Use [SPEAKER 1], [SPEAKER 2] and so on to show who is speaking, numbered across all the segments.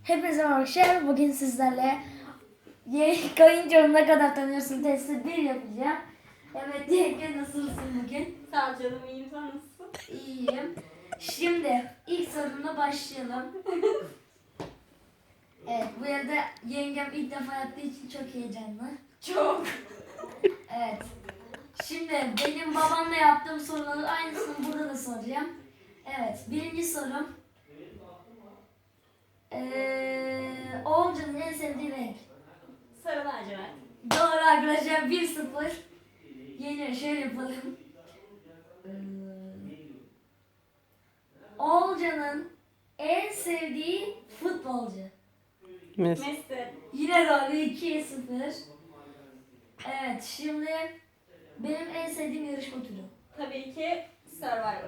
[SPEAKER 1] Hepinize merhaba arkadaşlar. Bugün sizlerle kayıncanı ne kadar tanıyorsun testi 1 yapacağım. Evet Yenge, nasılsın bugün?
[SPEAKER 2] Sağ ol canım, iyiyim, sen nasılsın?
[SPEAKER 1] İyiyim. Şimdi ilk sorumla başlayalım. Evet, bu arada yengem ilk defa yaptığı için çok heyecanlı.
[SPEAKER 2] Çok.
[SPEAKER 1] Evet. Şimdi benim babamla yaptığım soruların aynısını burada da soracağım. Evet, birinci sorum. Oğulcan'ın en sevdiği renk.
[SPEAKER 2] Sarı lacivert.
[SPEAKER 1] Doğru arkadaşlar, 1-0. Yeni şöyle yapalım. Oğulcan'ın en sevdiği futbolcu.
[SPEAKER 3] Messi.
[SPEAKER 2] Messi.
[SPEAKER 1] Yine doğru, 2-0. Evet, şimdi benim en sevdiğim yarışma türü.
[SPEAKER 2] Tabii ki Survivor.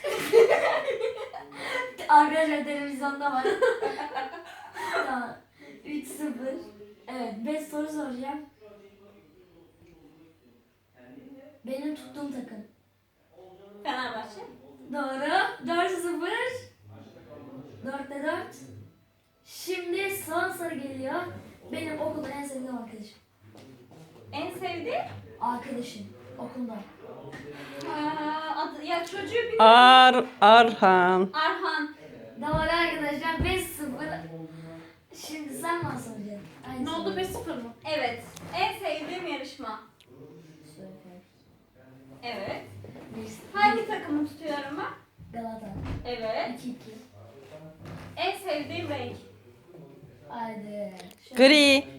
[SPEAKER 1] Arkadaşlar televizyonda var. Tamam. 3-0. Evet, 5 soru soracağım. Benim tuttuğum takım.
[SPEAKER 2] Fenerbahçe.
[SPEAKER 1] Doğru. 4-0. 4'te 4. Şimdi son soru geliyor. Benim okulda en sevdiğim arkadaşım.
[SPEAKER 2] En sevdiği?
[SPEAKER 1] Arkadaşım. Okulda.
[SPEAKER 2] Adı, ya çocuğu bir...
[SPEAKER 3] Arhan.
[SPEAKER 2] Arhan.
[SPEAKER 1] Doğru arkadaşlar, 5-0. Şimdi sen bana soracaksın. Aynı
[SPEAKER 2] Ne oldu,
[SPEAKER 1] soruyu.
[SPEAKER 2] 5-0 mı? Evet. En sevdiğim yarışma. Evet. Hangi takımı tutuyorum ben?
[SPEAKER 1] Galata.
[SPEAKER 2] Evet.
[SPEAKER 1] 2-2.
[SPEAKER 2] En sevdiğim renk.
[SPEAKER 1] Haydi.
[SPEAKER 3] Gri.